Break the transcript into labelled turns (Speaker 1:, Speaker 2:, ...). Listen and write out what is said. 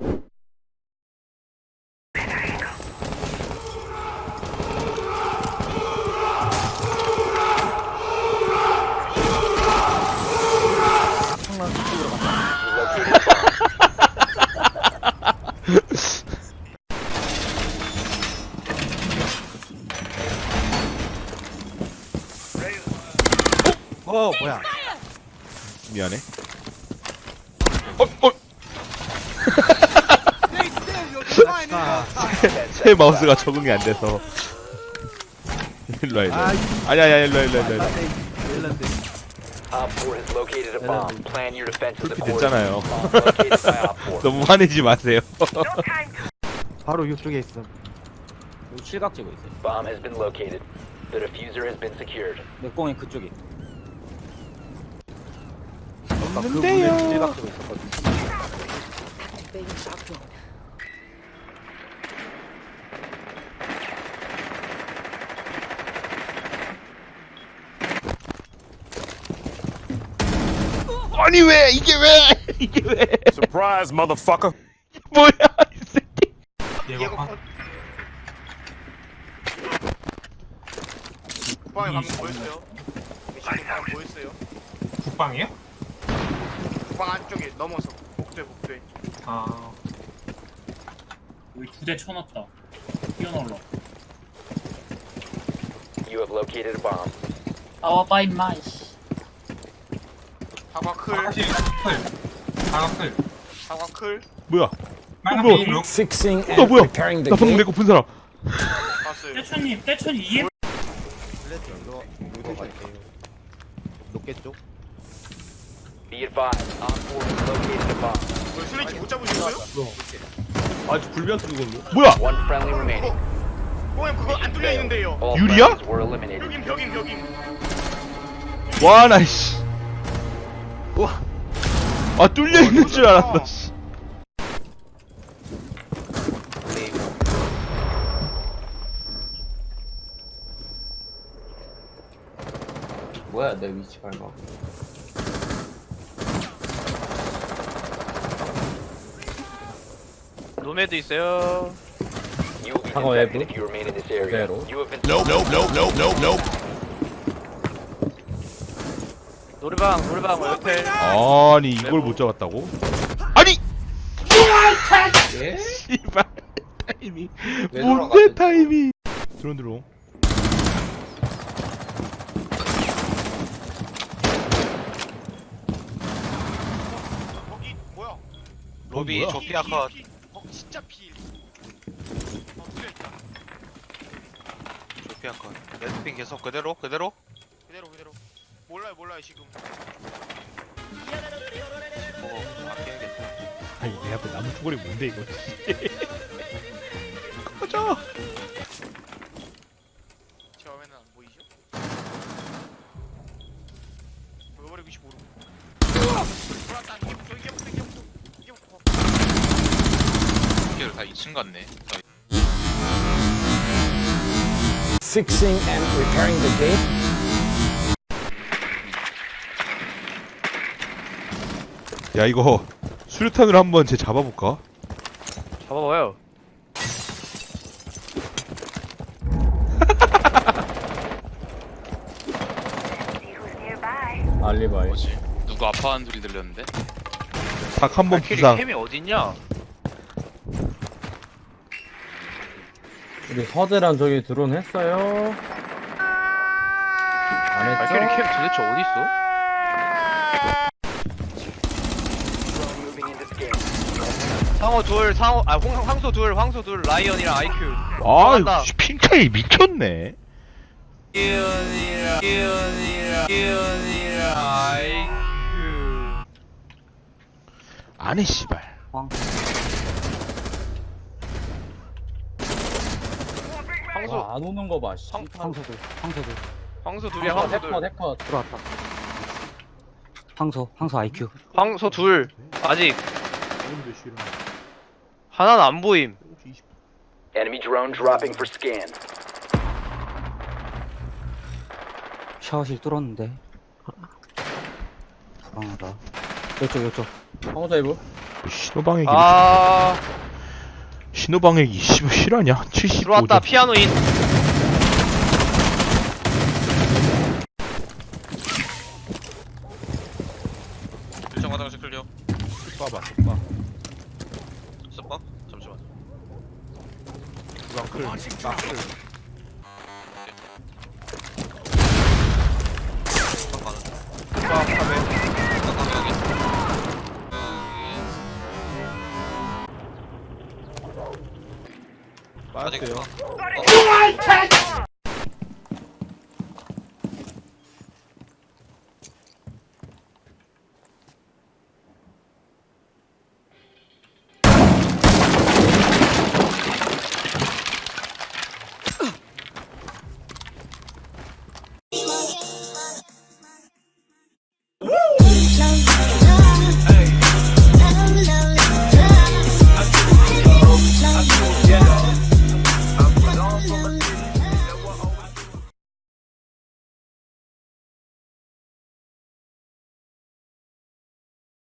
Speaker 1: 뭐야?
Speaker 2: 미안해. 새 마우스가 적응이 안 돼서. 일로와, 일로와. 아니야, 일로와.
Speaker 1: 멜란데.
Speaker 2: 풀피 됐잖아요. 너무 화내지 마세요.
Speaker 1: 바로 이쪽에 있음.
Speaker 3: 여기 실각 지고 있어요.
Speaker 4: Bomb has been located. The diffuser has been secured.
Speaker 3: 맥공이 그쪽에. 아까 그
Speaker 2: 없는데요.
Speaker 3: 문에 실각 지고 있었거든.
Speaker 2: 아니 왜 이게 왜?
Speaker 5: Surprise, motherfucker.
Speaker 2: 뭐야 이 새끼?
Speaker 6: 국방에 가면 뭐였어요? 미션 국방 뭐였어요?
Speaker 7: 국방이요?
Speaker 6: 국방 안쪽에 넘어서 복도에.
Speaker 7: 아 여기 2대 쳐놨다. 뛰어놀러.
Speaker 4: You have located a bomb.
Speaker 8: 나와봐 임마 이씨.
Speaker 6: 사과 클,
Speaker 7: 사실 클 다가클
Speaker 6: 사과 클
Speaker 2: 뭐야?
Speaker 7: 빨간
Speaker 2: 뭐야?
Speaker 7: 비닐로.
Speaker 2: 뭐야? 나 방금 내거 본 사람.
Speaker 6: 봤어요.
Speaker 7: 떼천님 떼천이 이해.
Speaker 1: 이거 갈게요. 높게 쪽.
Speaker 4: Be advised, Op 4 has located a bomb.
Speaker 6: 뭐 슬래치 못 잡으셨어요?
Speaker 2: 뭐야?
Speaker 4: One friendly remaining.
Speaker 6: 형 그거 안 뚫려 있는데요.
Speaker 4: All
Speaker 2: 유리야?
Speaker 4: friendlies were eliminated.
Speaker 6: 벽임.
Speaker 2: 와 나 씨. 아 뚫려 있는 줄 알았어. 씨.
Speaker 3: 뭐야 내 위치 밟아.
Speaker 9: 노메드 있어요.
Speaker 4: You will be
Speaker 3: 상어
Speaker 4: detected
Speaker 3: 외부.
Speaker 4: if you remain in this area.
Speaker 3: 그대로.
Speaker 4: You have been
Speaker 9: 노래방 옆에.
Speaker 2: 아니 이걸 못 잡았다고? 아니!
Speaker 3: 예?
Speaker 2: 씨발 타이밍.
Speaker 3: 왜
Speaker 2: 뭔데
Speaker 3: 돌아갔지?
Speaker 2: 타이밍? 드론.
Speaker 6: 거기 뭐야?
Speaker 9: 로비
Speaker 2: 뭐야?
Speaker 9: 조피아 컷.
Speaker 6: 진짜 필. 뚫려있다.
Speaker 9: 조피아 컷. 레드핑 계속 그대로.
Speaker 6: 그대로. 몰라요 지금.
Speaker 9: 아껴야겠다.
Speaker 2: 아니 내 앞에 나무 초골이 뭔데 이거? 꺼져.
Speaker 6: 제 화면은 안 보이죠? 보여버리고 싶어 모르고. 돌았다. 이게 붙어.
Speaker 9: 이게 다 2층 같네.
Speaker 5: Fixing and repairing the gate.
Speaker 2: 야 이거 수류탄으로 한번 쟤 잡아볼까?
Speaker 9: 잡아봐요.
Speaker 3: 알리바이.
Speaker 9: 뭐지? 누구 아파하는 소리 들렸는데?
Speaker 2: 닭 한 번 부상.
Speaker 9: 캠이 어딨냐?
Speaker 3: 우리 서대란 저기 드론 했어요. 안
Speaker 9: 발키리
Speaker 3: 했죠?
Speaker 9: 캠 도대체 어딨어?
Speaker 4: moving into scan.
Speaker 9: 황소 둘, 라이언이랑 IQ.
Speaker 2: 아
Speaker 9: 맞다.
Speaker 2: 이거 핑 차이 미쳤네.
Speaker 9: 라이언이랑 IQ.
Speaker 2: 안해 씨발.
Speaker 9: 황소,
Speaker 3: 와, 안 오는 거 봐. 씨.
Speaker 1: 황소들.
Speaker 9: 황소 둘이야, 황소 둘.
Speaker 3: 해커.
Speaker 1: 들어왔다. 황소 IQ.
Speaker 9: 황소 둘. 아직 하나는 안 보임.
Speaker 4: Enemy drone dropping for scan.
Speaker 1: 샤워실 뚫었는데. 불안하다. 이쪽.
Speaker 3: 황호자 이브.
Speaker 2: 신호방해기
Speaker 9: 아
Speaker 2: 신호방해기 씨발 실화냐? 75점.
Speaker 9: 들어왔다 피아노 인.
Speaker 6: 일정 화장실 클리어.
Speaker 1: 쏴봐 쏴봐
Speaker 6: 스파? 잠시만.
Speaker 1: 주방 클 나클
Speaker 6: 스파 가는.
Speaker 1: 쏴 카메
Speaker 6: 스파 가면 여기.
Speaker 1: 빠졌어요
Speaker 6: 아직